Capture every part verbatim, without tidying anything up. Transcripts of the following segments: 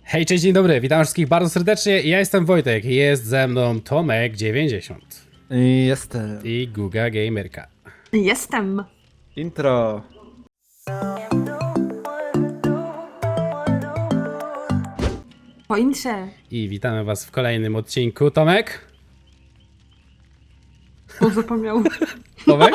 Hej, cześć, dzień dobry, witam wszystkich bardzo serdecznie. Ja jestem Wojtek, jest ze mną Tomek dziewięćdziesiąt Jestem. i Guga Gamerka. Jestem. Intro. Po intrze. I witamy was w kolejnym odcinku. Tomek? O, zapomniał. Tomek?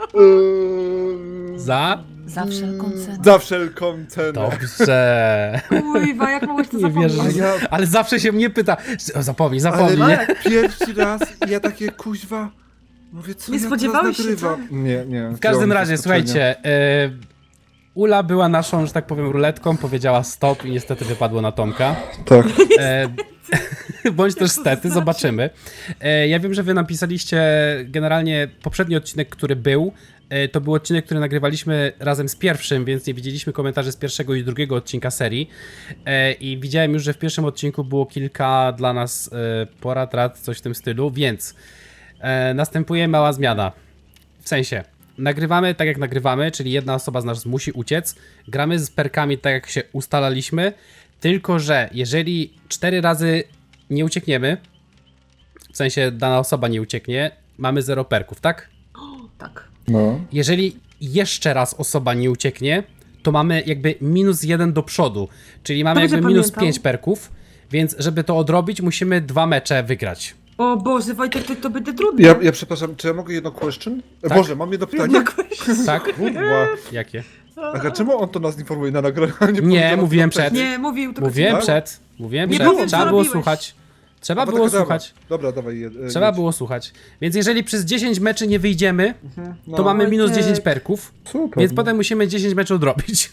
Eee, Za? Za wszelką cenę. Za wszelką cenę. Dobrze. Kurwa, jak mogłeś to Nie zapomnieć? wierzę, że... Ja- Ale zawsze się mnie pyta. O, zapomnij, Ale zapomnij. nie? pierwszy raz ja takie kuźwa. Mówię, co Nie ja spodziewałeś teraz się, nagrywam? co? Nie, nie. W każdym razie, słuchajcie, y, Ula była naszą, że tak powiem, ruletką, powiedziała stop i niestety wypadło na Tomka. Tak. E, bądź też stety, zobaczymy. E, ja wiem, że wy napisaliście generalnie poprzedni odcinek, który był. E, to był odcinek, który nagrywaliśmy razem z pierwszym, więc nie widzieliśmy komentarzy z pierwszego i drugiego odcinka serii. E, I widziałem już, że w pierwszym odcinku było kilka dla nas e, porad, rad, coś w tym stylu, więc e, następuje mała zmiana. W sensie, nagrywamy tak jak nagrywamy, czyli jedna osoba z nas musi uciec. Gramy z perkami tak jak się ustalaliśmy. Tylko że jeżeli cztery razy nie uciekniemy, w sensie dana osoba nie ucieknie, mamy zero perków, tak? Tak. No. Jeżeli jeszcze raz osoba nie ucieknie, to mamy jakby minus jeden do przodu, czyli mamy To będzie jakby minus pamiętał. pięć perków, więc żeby to odrobić, musimy dwa mecze wygrać. O Boże, Wojtek, to, to będzie trudne. Ja, ja przepraszam, czy ja mogę jedno question? E, Tak. Boże, mam jedno pytanie. Tak? Kurwa. Jakie? Aha, czemu on to nas informuje na nagraniu? Nie, mówiłem przed. Nie, mówił tylko Mówiłem Tak? przed, mówiłem Nie przed, powiem, co trzeba było robiłeś. słuchać. Trzeba Bo było taka słuchać. Dobra, dobra dawaj. Je, Trzeba jedź. było słuchać. Więc jeżeli przez dziesięć meczy nie wyjdziemy, No. to mamy minus Wojtek. dziesięć perków. Super. Więc potem musimy dziesięć meczów odrobić.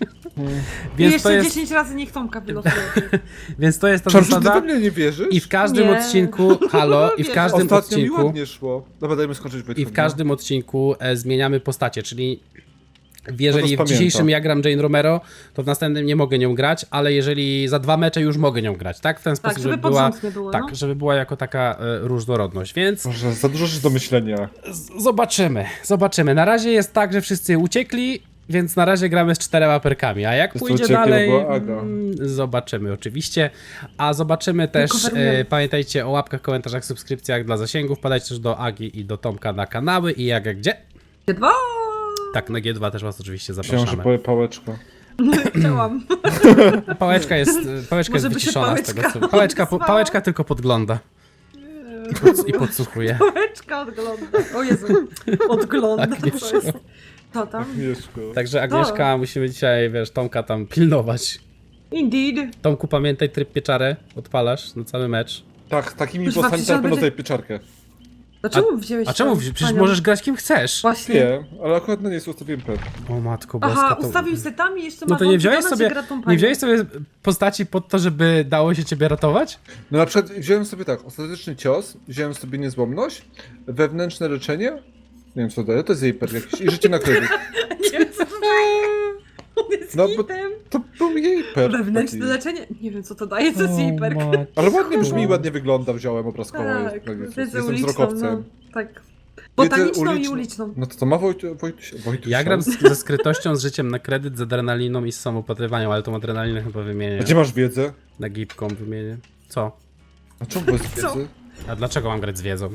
I więc, jeszcze to jest, dziesięć razy niech Tomka wylosuje. więc to jest ta Czarny, ty zasada. we mnie nie wierzysz? I w każdym Nie. odcinku, halo, i w Wierzę. każdym Ostatnio mi odcinku, ładnie szło. Dobra, dajmy skończyć Wojtku. i w każdym odcinku e, zmieniamy postacie, czyli jeżeli No to w spamiętam. dzisiejszym ja gram Jane Romero, to w następnym nie mogę nią grać, ale jeżeli za dwa mecze już mogę nią grać, tak? W ten sposób, żeby żeby pod była, rząd nie było, tak, no. żeby była jako taka e, różnorodność, więc Boże, za dużo rzeczy do myślenia. z- zobaczymy, zobaczymy. Na razie jest tak, że wszyscy uciekli, więc na razie gramy z czterema perkami, a jak Jest pójdzie uciekli, dalej, bo była Aga. mm, zobaczymy oczywiście. A zobaczymy też, coverujemy. e, pamiętajcie o łapkach, komentarzach, subskrypcjach dla zasięgów, wpadajcie też do Agi i do Tomka na kanały i jak, jak gdzie? Dwa. Tak, na G dwa też was oczywiście Myślałem, że zapraszamy. powie pałeczko. Chciałam. Pałeczka jest, pałeczka jest Może by się wyciszona z tego, pałeczka co... Pałeczka, po, odezwała? pałeczka tylko podgląda. I, pod, I podsłuchuje. Pałeczka odgląda. O Jezu. Odgląda. Agnieszko. To jest... To tam? Mieszko. Także Agnieszka, musimy dzisiaj, wiesz, Tomka tam pilnować. Indeed. Tomku, pamiętaj, tryb pieczarę odpalasz na cały mecz. Tak, takimi Kurwa, bossami przecież tak on będą będzie- tutaj pieczarkę. Dlaczego wziąłeś A czemu? tą Przecież panią? możesz grać kim chcesz. Właśnie. Nie, ale akurat na niej ustawiłem pet. O matko boska, Aha, to... ustawił setami i jeszcze No ma to nie wziąłeś włączone, sobie, że gra tą nie panią. wziąłeś sobie postaci pod to, żeby dało się ciebie ratować? No na przykład wziąłem sobie tak, ostateczny cios, wziąłem sobie niezłomność, wewnętrzne leczenie, nie wiem co daje, to jest jej perk jakiś i życie na kredyt. Nie wiem, co to daje. On jest No, bo- hitem. To był jej perk. Wewnętrzne taki. leczenie? Nie wiem, co to daje, co jest jej perk. Ale ładnie brzmi i ładnie wygląda, wziąłem obrazkowo. Tak, jest- jest- wiedzę jestem uliczną, wzrokowcem. no, tak. Botaniczną i uliczną. uliczną. No to to ma Wojt, Wojtuś, Wojtuś. Ja gram z, ze skrytością, z życiem na kredyt, z adrenaliną i z samopatrywaniem, ale tą adrenalinę chyba wymienię. A gdzie masz wiedzę? Na gipką wymienię. Co? A czemu bez Co? wiedzy? A dlaczego mam grać z wiedzą?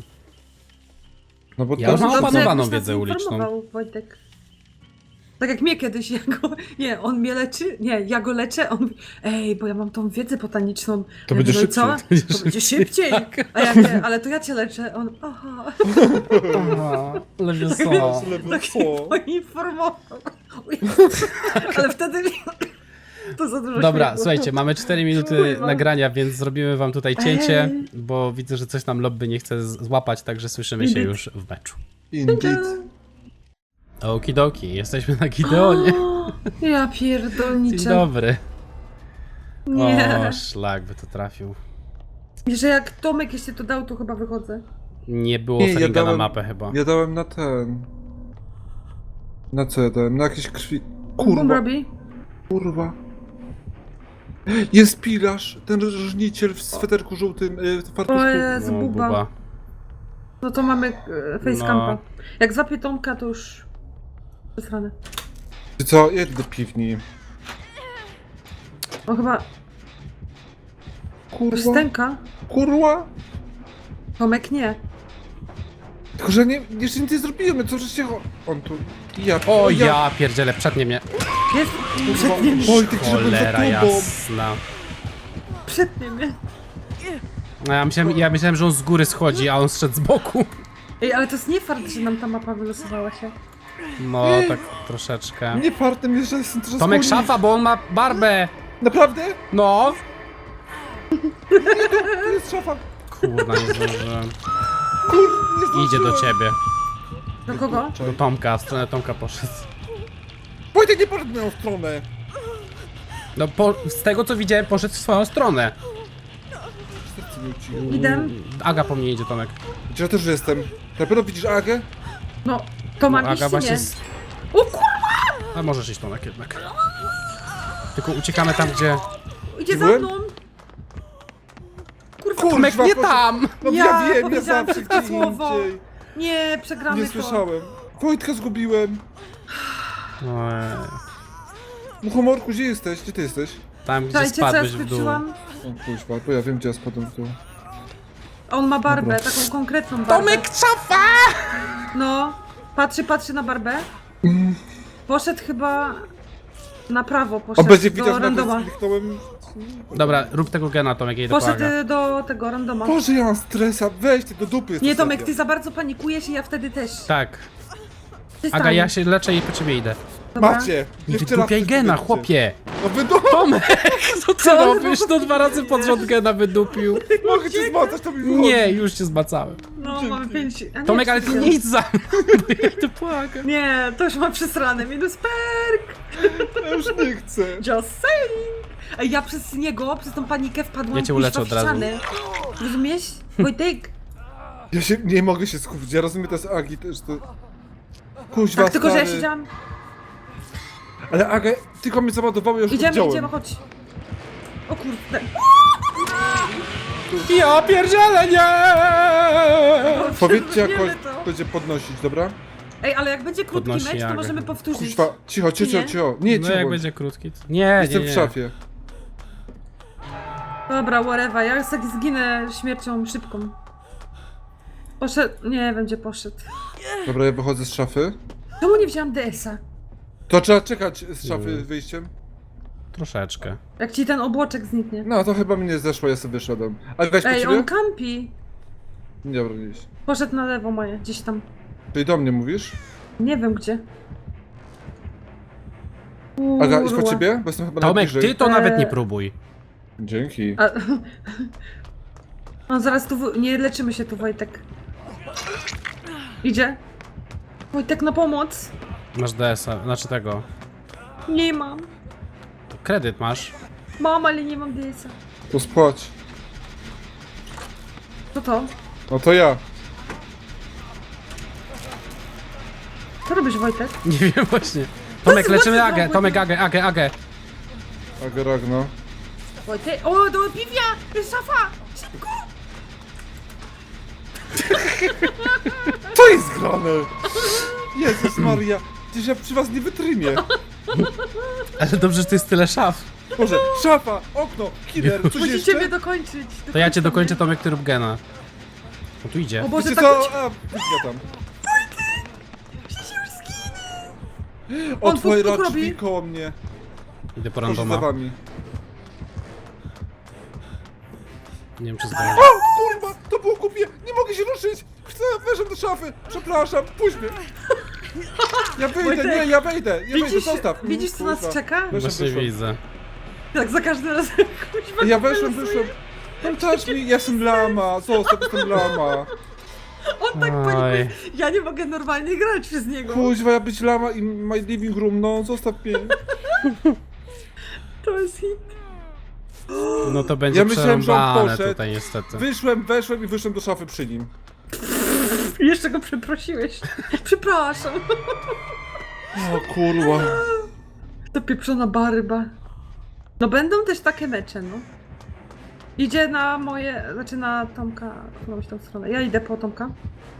No bo Ja to już mam jest- Dobrze, opanowaną jakbyś nas wiedzę uliczną. informował, Wojtek. Tak jak mnie kiedyś, ja go, nie, on mnie leczy, nie, ja go leczę, on mówi, ej, bo ja mam tą wiedzę botaniczną. To Ja będzie mówię, co? szybciej. To będzie szybciej. A ja nie, ale to ja cię leczę. On, aha, Aha, lepiej co? Ale co? poinformował. Ale wtedy to za dużo Dobra, śmiechu. słuchajcie, mamy cztery minuty Kurwa. nagrania, więc zrobimy wam tutaj cięcie, Ej. bo widzę, że coś nam lobby nie chce z- złapać, także słyszymy się Indeed. już w meczu. Indeed. Okidoki, jesteśmy na Gideonie. O, ja Dzień pierdolniczę. dobry. Nie. O, szlak by to trafił. Że jak Tomek jeszcze to dał, to chyba wychodzę. Nie było Nie, ja Feringa na dałem- mapę chyba. Ja dałem na ten... Na co ja dałem? Na jakieś krwi... On Kurwa, robi? kurwa. Jest pilarz, ten żniciel w sweterku żółtym, y, w O fartuszku. Jezu, O, buba. buba. No to mamy e, facecampa. No. Jak złapię Tomka, to już... Zesrane. Ty co? Jedź do piwni. On chyba... Kurwa, Stęka? kurwa. Tomek nie. Tylko, że nie, jeszcze nic nie zrobiłem, co żeście... cho- On tu... Ja... O ja pierdzielę, przednie mnie. Jest Kurwa. przednie mnie. Wojtek, żeby za Cholera tobą. jasna. Przednie mnie. No, ja myślałem, ja myślałem, że on z góry schodzi, a on zszedł z boku. Ej, ale to jest nie fakt, że nam ta mapa wylosowała się. No, tak troszeczkę. Nie fartem jest, że jestem troszkę Tomek skórny. szafa, bo on ma barbę. Naprawdę? No. Tu jest szafa. Kurna, nie zdążyłem. Kur... nie zdążyłem. Idzie do ciebie. Do kogo? Do Tomka, w stronę Tomka poszedł. Wojtek nie poszedł w moją stronę. No, po, z tego co widziałem, poszedł w swoją stronę. Serce mi uciło. Idę. Aga po mnie idzie, Tomek. Gdzie ja też jestem? Na pewno widzisz Agę? No, to mam No, iść Aga czy właśnie... nie? Z... O kurwa! A możesz iść, Tomek, jednak. Tylko uciekamy tam, gdzie... Idzie za Byłem? mną! Kurwa, Kurwa, Tomek, nie proszę. tam! No Ja ja, wiem, ja powiedziałam zawsze brzydkie gdzie słowo. indziej. nie, przegramy Nie to. słyszałem. Wojtka zgubiłem. Ojej. Muchomorku, gdzie jesteś? Gdzie ty jesteś? Tam, gdzie Słuchajcie, co ja spadłeś w dół. skończyłam? O kuźwa, bo ja wiem, gdzie ja spadłem w dół. On ma barbę, Dobra. taką konkretną barbę. Tomek, szafa! No, patrzy, patrzy na barbę. Poszedł chyba na prawo, On poszedł będzie do widział, że randoma. nawet kliknąłem. Dobra, rób tego gena, Tomek, ja idę po Poszedł Agę. y, do tego randoma. Boże, ja mam stresa, weź ty do dupy jest Nie, to Tomek, seria. ty za bardzo panikujesz i ja wtedy też. Tak. Przestań. Aga, ja się leczę i po ciebie idę. Dobra. Macie! I Jeszcze raz wydupiaj coś gena, powiedzcie. chłopie! No wydu... Tomek, co ty Co? robisz? No dwa razy pod rząd gena wydupił. Mogę cię zmacać, to mi wychodzi. Nie, już cię zmacałem. No, Dzięki. mamy pięć. A nie, Tomek, ale ty cztery. nie idź za mną, bo ja idę po Agę. Nie, to już mam przesrane. Minus perk. Ja już nie chcę. Just saying. Ej, ja przez niego, przez tą panikę wpadłam Ja cię kuźwa uleczę w od razu. ścianę. Rozumiesz? Wojtek. Ja się nie mogę się skupić, ja rozumiem, to jest Agi też to... Kuźwa, Tak, tylko że ja stary. siedziałam. Ale Aga, tylko mnie załadowało, ja już Idziemy, widziałem. idziemy, chodź. O kurde. Ja pierdzielę, nie! Powiedzcie jak Wiemy ktoś to. będzie podnosić, dobra? Ej, ale jak będzie krótki Podnosi mecz, to Jagę. możemy powtórzyć. Kuźwa, cicho, cicho, Nie? cicho. Nie, No cicho. jak bądź. będzie krótki. to- Nie, Jestem nie, nie. w szafie. Dobra, whatever. Ja tak zginę śmiercią szybką. Poszedł. Nie wiem, gdzie poszedł. Dobra, ja wychodzę z szafy. Czemu nie wziąłam D S a? To trzeba czekać z szafy Mm. wyjściem. Troszeczkę. Jak ci ten obłoczek zniknie. No, to chyba mi nie zeszło, ja sobie wyszedłem. Ale weź po Ej, ciebie? on kampi. Dobra, gdzieś. Poszedł na lewo moje, gdzieś tam. Czyli do mnie mówisz? Nie wiem gdzie. Aga, idź po Kurwa. ciebie? Bo jestem chyba Tomek, najbliżej. ty to nawet nie Eee. próbuj. Dzięki. A... On zaraz tu... w- Nie leczymy się tu, Wojtek. Idzie? Wojtek, na pomoc. Masz D S a, znaczy tego. Nie mam. Kredyt masz. Mam, ale nie mam D S a. To spłać. Co to? No to ja. Co robisz, Wojtek? Nie wiem właśnie. Tomek, co leczymy ty Agę, zrobiłeś? Tomek, Agę, Agę, Agę. Aga Ragno. Wojtek... O, do piwia! Jest szafa! Szybko! Co jest grane? Jezus Maria. Przecież ja przy was nie wytrymię. Ale dobrze, że to jest tyle szaf. Boże, szafa, okno, killer, coś Musicie jeszcze? mnie dokończyć. To ja cię Dokończcie dokończę, mnie. Tomek, ty rób gena. O, tu idzie. O Boże, Wiecie tak... co? A, ja tam. On Otworzy puk, puk drzwi robi. koło mnie. Idę po Proszę za randoma. wami. Nie wiem, czy zdążę. O, kurwa, to było głupie, nie mogę się ruszyć. Chcę, weszłem do szafy, przepraszam, puść mnie. Ja wyjdę, Wojtek, nie, ja wejdę, ja wejdę, Widzisz, zostaw. widzisz co nas Kurwa. czeka? Weszłem, Właśnie weszłem. widzę. Tak, za każdym razem. Kuźwa, Ja weszłem, wylosuje. wyszłem. Don't touch me, ja jestem lama, zostaw, jestem lama. On tak Oj. panikuje. Ja nie mogę normalnie grać przez niego. Kuźwa, ja być lama i my living room, no, zostaw mnie. To jest hit. No to będzie Ja myślałem, że on przerąbane poszedł. tutaj niestety. Wyszłem, weszłem i wyszłem do szafy przy nim. Jeszcze go przeprosiłeś. Przepraszam. O kurwa. To pieprzona baryba. No będą też takie mecze, no. Idzie na moje, znaczy na Tomka, którąś tą stronę. Ja idę po Tomka.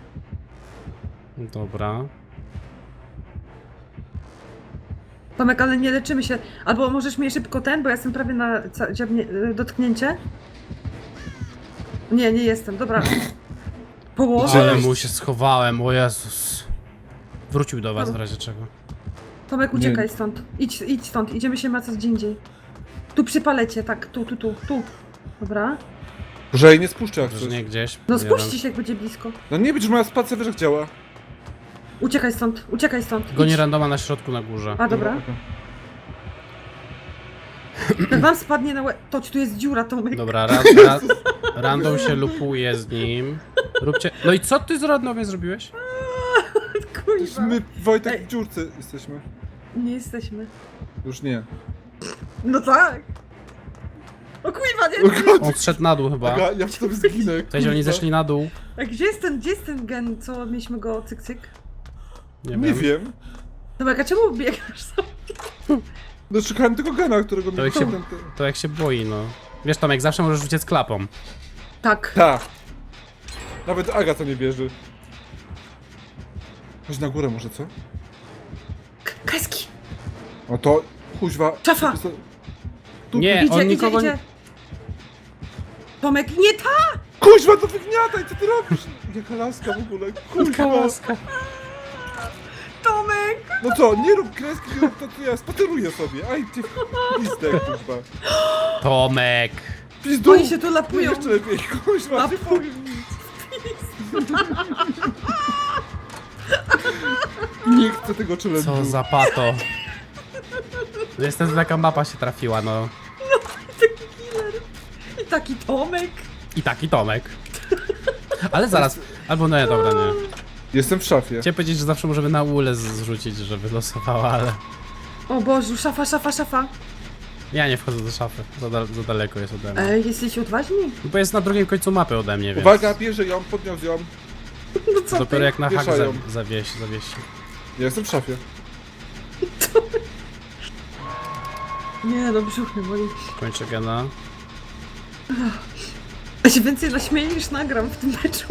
Dobra. Tomek, ale nie leczymy się. Albo możesz mnie szybko ten, bo ja jestem prawie na ca- dziabnie- dotknięcie. Nie, nie jestem, dobra. Ale Położę. mu się schowałem, o Jezus. Wrócił do was w razie czego. Tomek, uciekaj Nie. stąd. Idź, idź stąd, idziemy się macać gdzie indziej. Tu przy palecie, tak, tu, tu, tu, tu. Dobra. Że jej nie spuszczę jak Że coś. nie gdzieś. No jeden. spuśćcie się, jak będzie blisko. No nie, będziesz moja spacja, wiesz jak działa. Uciekaj stąd, uciekaj stąd. Goni Idź. randoma na środku na górze. A, dobra. Okej. Jak wam spadnie na łeb... Toć, tu jest dziura, Tomek. Dobra, ra, ra, random się lupuje z nim. Róbcie... No i co ty z randomie zrobiłeś? Kurwa. My, Wojtek, Ej. w dziurce jesteśmy. Nie jesteśmy. Już nie. No tak. O kurwa, nie. O God, On zszedł na dół chyba. Aga, ja w tobie zginę. W sensie oni kurwa. zeszli na dół. A gdzie jest ten, gdzie jest ten gen, co mieliśmy go cyk cyk? Nie, Nie wiem. wiem. Tomek, a czemu biegasz sam? No szukałem tego gena, którego To mi jak się- ten- ten- To jak się boi, no. Wiesz Tomek, zawsze możesz uciec klapą. Tak. Ta. Nawet Aga to nie bierze. Chodź na górę może, co? K- Kreski. O to... Kuźwa. Szafa. Tu- Nie, Idzie, on idzie, nikogo idzie. Tomek, nie ta! Kuźwa, to wygniataj, co ty robisz? Jaka laska w ogóle, kuźwa. Kałaska. Tomek! No co, nie rób kreski, nie rób to, co ja spaceruję sobie. Aj, ty pistek, kuźwa. Tomek. Pizdu! Oni się tu lapują. Jeszcze lepiej, kuźwa, nie Lapuj. powiem nic. Nie chcę tego challenge'u. Co za pato. Niestety taka mapa się trafiła, no. Taki killer. I taki Tomek. I taki Tomek. Ale zaraz. Albo nie, dobra, nie. Jestem w szafie. Chciałem powiedzieć, że zawsze możemy na ulę z- zrzucić, że wylosowała, ale... O Bożu, szafa, szafa, szafa. Ja nie wchodzę do szafy. Za, dal- za daleko jest ode mnie. Ej, jesteście odważni? No bo jest na drugim końcu mapy ode mnie, więc... Uwaga, bierze ją, podniósł ją. No co Dopiero ty? jak na hak za, Wieszają. zawiesi, zawiesi. Ja jestem w szafie. Nie no, brzuch mnie boli. Kończę gena. Ja się więcej naśmieję niż nagram w tym meczu.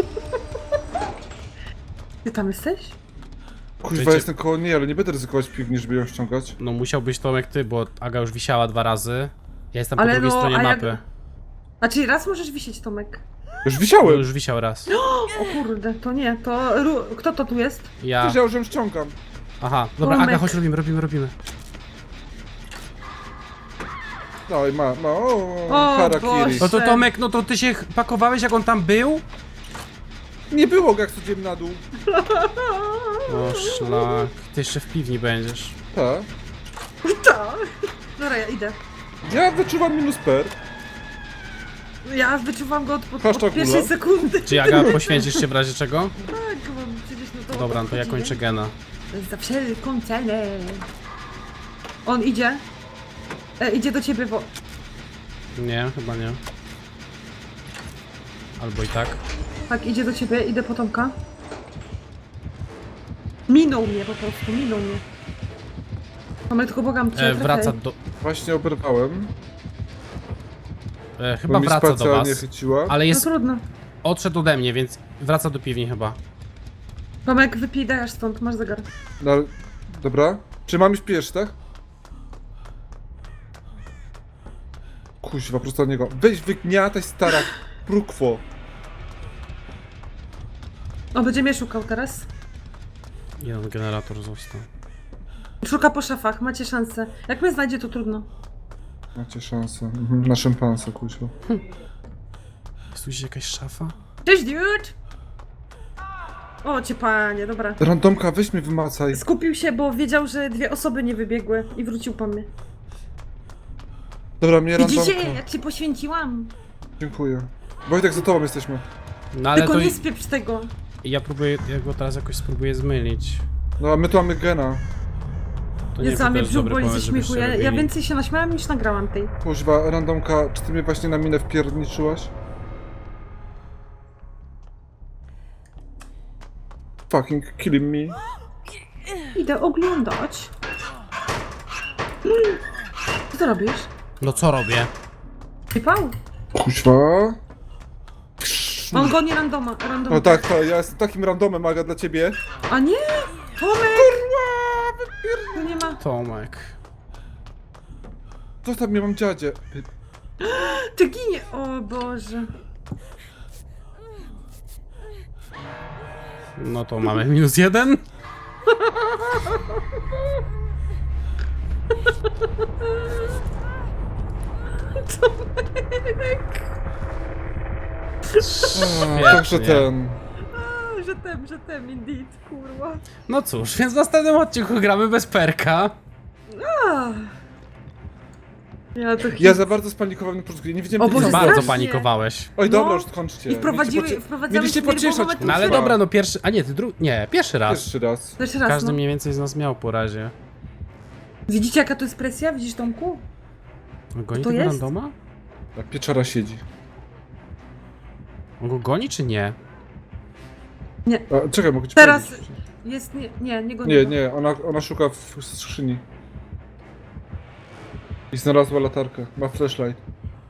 Ty tam jesteś? Kuźwa, Wiecie- jestem koło niej, ale nie będę ryzykować piwni, żeby ją ściągać. No musiałbyś Tomek ty, bo Aga już wisiała dwa razy. Ja jestem po Ale drugiej no, stronie a jak- mapy. A czyli raz możesz wisieć, Tomek? Już No, wisiałem! już wisiał raz. O kurde, to nie, to... Ru... Kto to tu jest? Ja... Wiedział, że ją ściągam. Aha, dobra, Tomek. Aga, chodź robimy, robimy, robimy. No i ma, ma, o, O, harakiri. Boże. No to Tomek, no to ty się pakowałeś jak on tam był? Nie było go, jak schodziłem na dół. O szlak, ty jeszcze w piwni będziesz. Tak. Tak. Dobra, ja idę. Ja wyczuwam minus per. Ja wyczuwam go od, od, Hashtag od pierwszej Ula. sekundy. Czy Aga, poświęcisz się w razie czego? Tak, bo przecież no to... Dobra, no to ja kończę gena. Za wszelką cenę. On idzie. E, idzie do ciebie, bo... Nie, chyba nie. Albo i tak. Tak, idzie do ciebie, idę po Tomka. Minął mnie po prostu, minął mnie. Mamy tylko błagam cię, E, wraca trafiaj. do... Właśnie oberwałem. E, Bo chyba mi wraca do spacja nie was. chyciła. Ale No jest... trudno. Odszedł ode mnie, więc wraca do piwni chyba. Tomek, wypij, dajesz stąd, masz zegar. No, ale- dobra. Czy mam iść pierwszy, tak? Kuźwa, prosto od niego. Weź wygniataj, stara prukwo. On będzie mnie szukał teraz. Jeden generator został. Szuka po szafach, macie szansę. Jak mnie znajdzie, to trudno. Macie szansę. Mhm. Na szympansa, kuźwa. Jest tu gdzieś jakaś szafa? Cześć, dude! O, cię panie, dobra. Randomka, weź mnie wymacaj. Skupił się, bo wiedział, że dwie osoby nie wybiegły i wrócił po mnie. Dobra, mnie randomka. Widzicie, jak się poświęciłam? Dziękuję. Wojtek, za tobą jesteśmy. No ale Tylko to... nie spieprz tego. Ja próbuję, ja go teraz jakoś spróbuję zmylić. No, a my tu mamy gena. To Jest za to mnie jest brzuch dobry boli ze pomysł, śmiechu. żebyście Ja, ja robili. więcej się naśmiałam niż nagrałam tej. Kuźwa, randomka, czy ty mnie właśnie na minę wpierniczyłaś? Fucking killing me. Idę oglądać. Co ty robisz? No co robię? Wypał? Kuźwa. On goni randoma, randoma. No tak, to ja jestem takim randomem, Aga, dla ciebie. A nie! Tomek! Tu nie ma. Tomek. Zostaw mnie, mam dziadzie. Ty ginie! O Boże. No to mamy minus jeden. O, także ten... A, że tem, że tem, indeed, kurwa. No cóż, więc w następnym odcinku gramy bez perka. A. Ja to Ja za bardzo spanikowałem na początku, nie wiedziałem O jak Boże, Za to bardzo strasznie. panikowałeś. Oj, dobra, No. już skończcie. I wprowadziły, Mieliście pocie- wprowadzamy Mieliście śmierć, bo pocieszać, mamy tu No ale kurwa. dobra, no pierwszy... A nie, ty drugi... Nie, pierwszy raz. Jeszcze raz. Jeszcze raz, Każdy no. mniej więcej z nas miał po razie. Widzicie jaka to jest presja? Widzisz, Tomku? On goni To tego jest? randoma? A pieczara siedzi. On go goni czy nie? A, czekaj, mogę ci Teraz- powiedzieć. Jest, nie, nie, nie go Nie, nie, ona, ona szuka w skrzyni. I znalazła latarkę. Ma flashlight.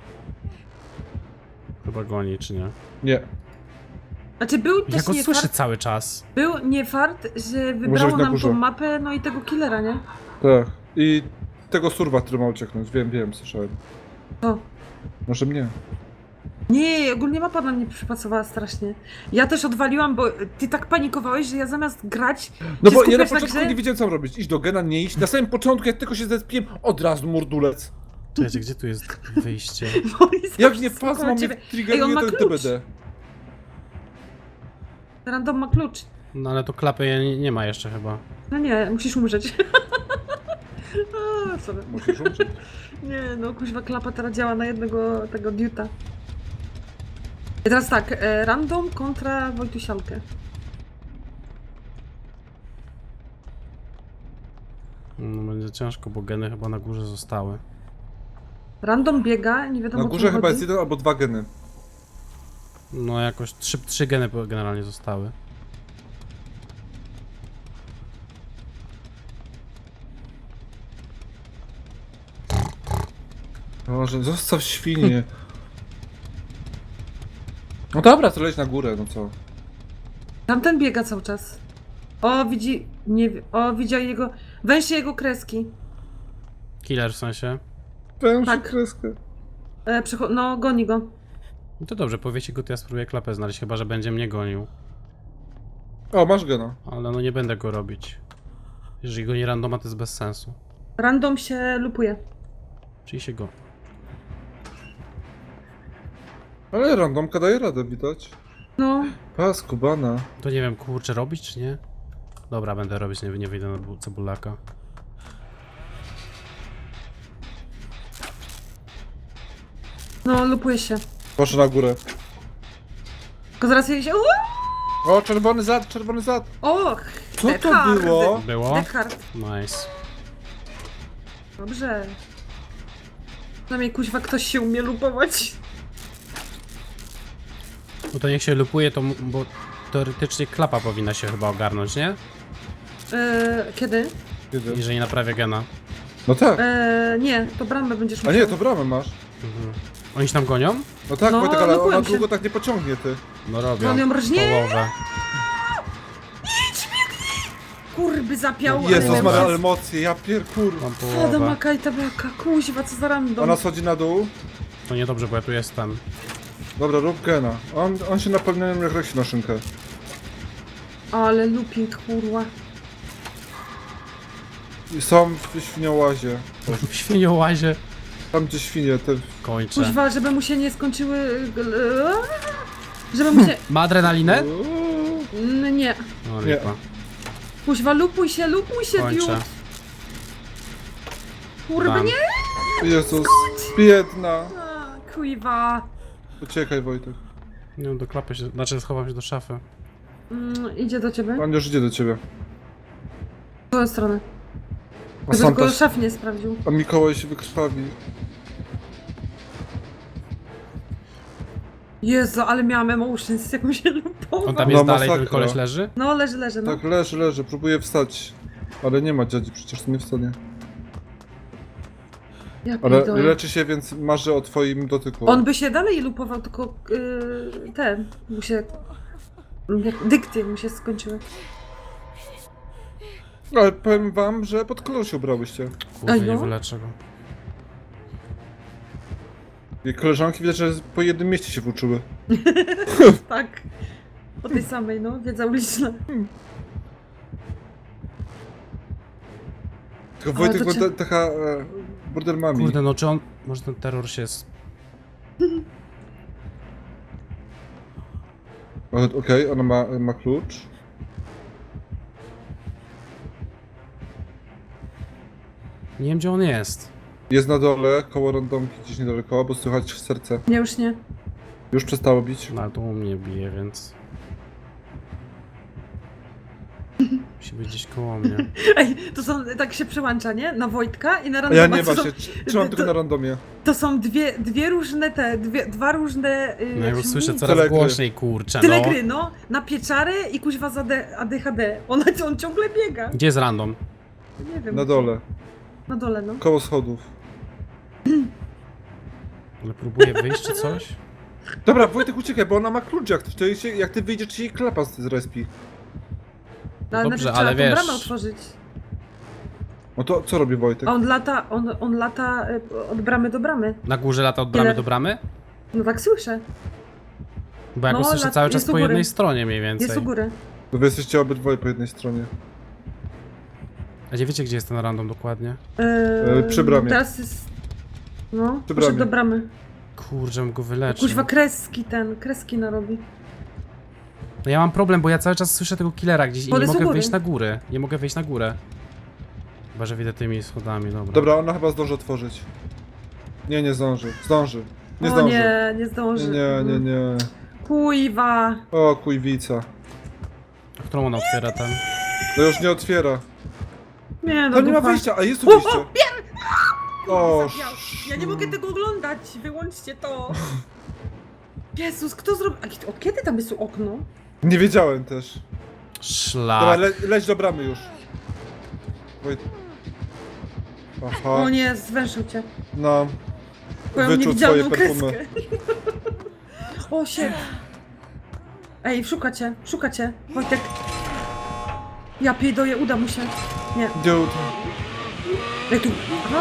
Chyba goni czy nie? Nie. Znaczy był Ja też go nie słyszę fart, cały czas. był nie fart, że Może wybrało być na nam górze. tą mapę, no i tego killera, nie? Tak. I tego surwa, który ma ucieknąć. Wiem, wiem, słyszałem. To. Może mnie. Nie, ogólnie mapa na mnie przypasowała strasznie. Ja też odwaliłam, bo ty tak panikowałeś, że ja zamiast grać. No się bo ja na skupiać na początku grze, nie wiedziałem co mam robić. Iść do gena, nie iść. Na samym początku, jak tylko się zespiłem, od razu mordulec. Czekajcie, gdzie tu jest wyjście? bo oni Jak zawsze nie skupiają pasma mnie ciebie. Ej, on triggeruje, ma to klucz. D B D. Random ma klucz. No ale to klapy nie, nie ma jeszcze chyba. No nie, musisz umrzeć. A, sorry. Musisz umrzeć. Nie, no kuźwa klapa teraz działa na jednego tego diuta. I teraz tak, e, random kontra Wojtusialkę. No będzie ciężko, bo geny chyba na górze zostały. Random biega, nie wiadomo Na o górze co chyba chodzi. jest jeden albo dwa geny. No jakoś trzy, trzy geny generalnie zostały. Boże, zostaw świnie. No dobra, to leć na górę, no co? Tamten biega cały czas. O, widzi, nie wie, o, widział jego, węży jego kreski. Killer w sensie. Pęszę Tak. kreskę. E, przecho- no, goni go. No to dobrze, powiecie go, to ja spróbuję klapę znaleźć, chyba że będzie mnie gonił. O, masz gena. Ale no nie będę go robić. Jeżeli go nie randoma, to jest bez sensu. Random się lupuje. Czyli się go. Ale randomka daje radę, widać. No, Pas, kubana. To nie wiem, kurczę, robić czy nie? Dobra, będę robić, nie, nie wyjdę na bu- cebulaka. no, lupuje się. Proszę na górę. Tylko zaraz jej się... O, czerwony zad, czerwony zad. Och, Co to Deckard. było? Było? Deckard. Nice. Dobrze. Przynajmniej kuźwa ktoś się umie lupować. No to niech się lupuje, to m- bo teoretycznie klapa powinna się chyba ogarnąć, nie? E, kiedy? Kiedy? Jeżeli naprawia gena. No tak. E, nie, to bramę będziesz A musiał. nie, to bramę masz. Mhm. Oni się tam gonią? No tak, No, Wojtek, ale lupują ona się. długo tak nie pociągnie, ty. No robią. On ją rżnie? Połowę. Kurby zapiał. ale Jezus, miałem ma czas. emocje, ja pier kur... Mam Fada połowę. makajta beka, kuźwa, co za random. Ona schodzi na dół. To niedobrze, bo ja tu jestem. Dobra, rób gena. On, on się napełnia jak rosi na szynkę. Ale looping, kurwa. I są w świniołazie. W świniołazie Tam gdzie świnie, te... kończę. Kuźwa, żeby mu się nie skończyły... e, Żeby mu się... Ma adrenalinę? Uuu. N- nie. No Nie. lipa. Kuźwa, lupuj się, lupuj się, Kończę. diut. Kurwa, Dam. nie! Jezus, biedna. A, kuźwa. Uciekaj, Wojtek. Nie wiem, do klapy się, znaczy schowam się do szafy. Mm, idzie do ciebie. On już idzie do ciebie. W tą stronę. A Żeby sam tylko też... szaf nie sprawdził. A Mikołaj się wykrwawi. Jezu, ale miałam emotions, jak mu się lupował. On tam No, jest dalej, ten masakra. koleś leży? No, leży, leży, no. Tak, leży, leży, próbuje wstać. Ale nie ma dziadzi, przecież to nie wstanie. Ja Ale pierdolę. leczy się, więc marzy o twoim dotyku. On by się dalej lupował, tylko yy, ten, mu się... Jak dykty mu się skończyły. Ale powiem wam, że pod kolor się ubrałyście. Kurde, Ej, nie no. wyleczę go. I koleżanki widać, że po jednym mieście się włóczyły. Tak. O tej samej, no, wiedza uliczna. Tylko Ale Wojtek to cię- była ta- taka e, border mami. Kurde, no czy on... Może ten terror się... s- O, Okej, ona ma, ma klucz. Nie wiem, gdzie on jest. Jest na dole, koło randomki gdzieś niedaleko, bo słychać serce. Nie, już nie. Już przestało bić. No, ale to u mnie bije, więc... Musi być gdzieś koło mnie. Ej, to są, tak się przełącza, nie? Na Wojtka i na A randoma. ja nie to, są, właśnie, tr- trzymam tylko to- na randomie. to są dwie, dwie różne te, dwie, dwa różne... Yy, No ja jak już się słyszę mówi? coraz Tyle gry. głośniej, kurczę, Tyle no. gry, no. Na pieczary i kuźwa za D- A D H D. Ona, on ciągle biega. Gdzie jest random? Nie wiem. Na dole, Na dole, no. koło schodów. Ale próbuję wyjść czy coś? Dobra, Wojtek uciekaj, bo ona ma klucz jak, to się, jak ty wyjdziesz, to się jej klapa z z respi. No, ale Dobrze, najpierw ale trzeba tą wiesz- bramę otworzyć. No to co robi Wojtek? A on lata, on, on lata y, od bramy do bramy. Na górze lata od bramy Ile? do bramy? No tak słyszę. Bo ja go No, słyszę lat- cały czas jest u po góry. jednej stronie mniej więcej. Jest u góry. Bo wy jesteście obydwoje po jednej stronie. A gdzie wiecie, gdzie jest ten random dokładnie? Yy, przy bramie. Teraz jest... No, Przy poszedł bramie. do bramy. Kurczę, bym go wyleczył. Kuźwa kreski ten, kreski narobi. No ja mam problem, bo ja cały czas słyszę tego killera gdzieś i On nie jest u mogę góry. wyjść na górę. Nie mogę wyjść na górę. Chyba, że widzę tymi schodami, dobra. Dobra, ona chyba zdąży otworzyć. Nie, nie zdąży. Zdąży. Nie o zdąży. nie, nie Nie, zdąży. nie, nie, nie. Kuźwa. O, kujwica. Którą ona otwiera tam? No już nie otwiera. Nie, no To nie ma dupa. wyjścia, a jest tu O, wyjście. o, wiem! O, Zabiał. Ja nie mogę tego oglądać, wyłączcie to. Jezus, kto zrobił... A kiedy- Od kiedy tam jest tu okno? nie wiedziałem też. Dobra, Szlak. le leć do bramy już. Wojt... Aha, O nie, zwęszył cię. no. Twoją Wyczuł niewidzialną twoje perfumy. kreskę. O, shit. Ej, szuka cię, szuka cię. Wojtek. Ja piedoję, uda mu się. Nie. Dude. Ej, tu. Aha.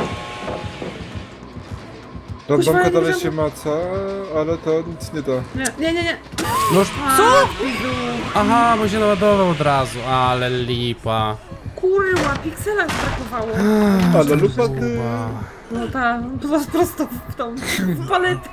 Randomka Kuźwa, dalej nie się maca, ale to nic nie da. Nie, nie, nie, nie. No już... Co? Aha, bo się naładował od razu, ale lipa. Kurwa, piksela już brakowało. Ale lupa ty. Kurwa. No ta, po- prosto w tą w paletę.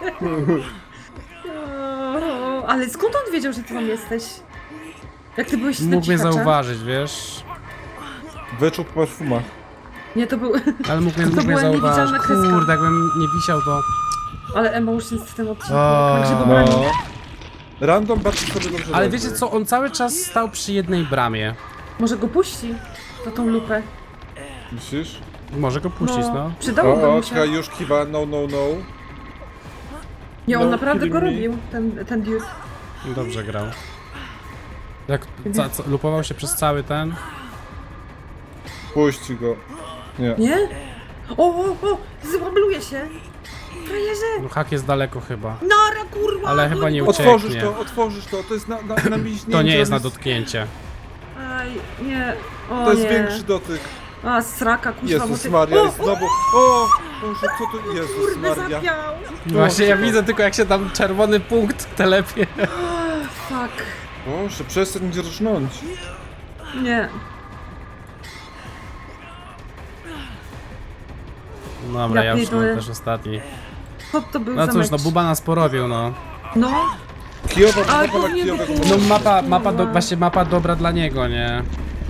O, ale skąd on wiedział, że ty tam jesteś? Jak ty byłeś na Mógł mnie cichacza? zauważyć, wiesz? Wyczuł po perfumach. Nie, to był... Ale mógł mnie, To mógł mnie była zauważyć. niewidzialna kreska. Kurde, jakbym nie wisiał, to... Ale emotions w tym odcinku. O. Także go No. broni. Random bardzo sobie dobrze Ale radzi. wiecie co, on cały czas stał przy jednej bramie. Może go puści za tą lupę. Myślisz? Może go puścić, no. Przydałoby O, o, mu się. czekaj, już kiwa, no, no, no. Nie, on No, naprawdę go kidding me. robił, ten, ten dude. Dobrze grał. Jak ca, ca, lupował się przez cały ten... Puści go. Nie. Nie? O, o, o! Złabluje się! Frajerze! No hak jest daleko chyba. Nara, kurwa! Ale chyba nie uciekł. Otworzysz ucieknie. to, otworzysz to, to jest na, na, na mięśnięcie. To nie jest na jest- dotknięcie. Aj, nie. O, To jest nie. większy dotyk. A, sraka, kuźwa, Jezus moty- Maria, o, i znowu... O! Boże, co to... Jezus Kurde, Maria. zapiał! Właśnie ja Boże. widzę tylko jak się tam czerwony punkt telepie. Oh, fuck. Boże, przestań mnie rżnąć. Nie. Dobra, Ja ja już mam pierdolę. też ostatni. Co to był No za cóż, mecz? no Buba nas porobił, no. No, Kijowa, Ale mapa na powinien kijowego. być- No mapa, mapa, do, Kurwa. właśnie mapa dobra dla niego, nie?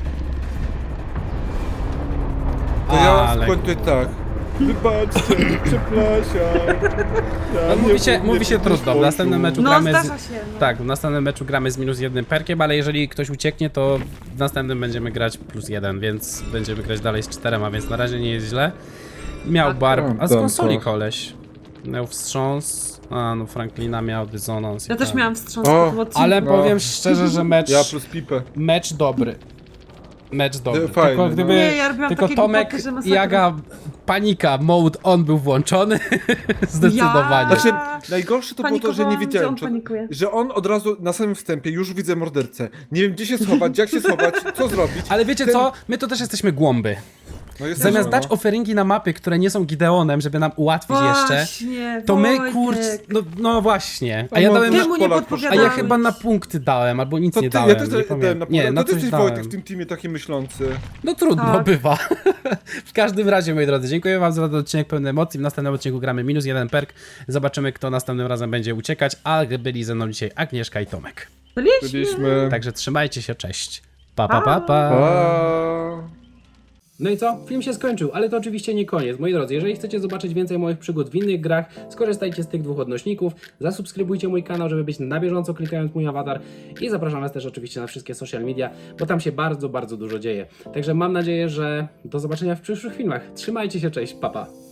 To ja Ale- skończę tak. Wybaczcie, przepraszam. Ja No, nie- mówi się, nie mówi się trudno. W pomyślałem. następnym meczu no gramy zdarza z... się. No. Tak, w następnym meczu gramy z minus jednym perkiem, ale jeżeli ktoś ucieknie, to w następnym będziemy grać plus jeden, więc będziemy grać dalej z czterema, więc na razie nie jest źle. Miał Tak. barb... A z Tam, konsoli tak. koleś. Miał wstrząs, a no Franklina miał dysonans. i Ja też tak. miałam wstrząs O, po tym odcinku. Ale No. powiem szczerze, że mecz... Ja plus pipę. Mecz dobry. Mecz dobry. Fajny, tylko no. gdyby Nie, ja robiłam tylko takie Tomek głupoty, że i masakra. Aga panika mode on był włączony zdecydowanie. Ja- Znaczy, najgorsze to było to, że nie Panikowałam, wiedziałem, że on czy, panikuje. że on od razu na samym wstępie już widzę mordercę. Nie wiem, gdzie się schować, jak się schować, co zrobić. Ale wiecie Ten- co? My to też jesteśmy głąby. No jest Zamiast no. dać offeringi na mapy, które nie są Gideonem, żeby nam ułatwić jeszcze, Właśnie, to my, Wojtek. kurczę, no, no właśnie. A A ja no, dałem ty na, Czemu nie Polak a podpowiadałeś? ja chyba na punkty dałem, albo nic To nie ty, dałem. ja też nie dałem pamiętam. na Nie, pole. na To ty coś jesteś dałem. Wojtek w tym teamie taki myślący. No trudno, Tak. bywa. W każdym razie, moi drodzy, dziękuję wam za ten odcinek pełny emocji. W następnym odcinku gramy minus jeden perk. Zobaczymy, kto następnym razem będzie uciekać, a byli ze mną dzisiaj Agnieszka i Tomek. Byliśmy. Byliśmy... Także trzymajcie się, cześć. Pa, pa, pa, pa. Pa. No i co? Film się skończył, ale to oczywiście nie koniec. Moi drodzy, jeżeli chcecie zobaczyć więcej moich przygód w innych grach, skorzystajcie z tych dwóch odnośników, zasubskrybujcie mój kanał, żeby być na bieżąco klikając mój awatar i zapraszam was też oczywiście na wszystkie social media, bo tam się bardzo, bardzo dużo dzieje. Także mam nadzieję, że do zobaczenia w przyszłych filmach. Trzymajcie się, cześć, pa, pa.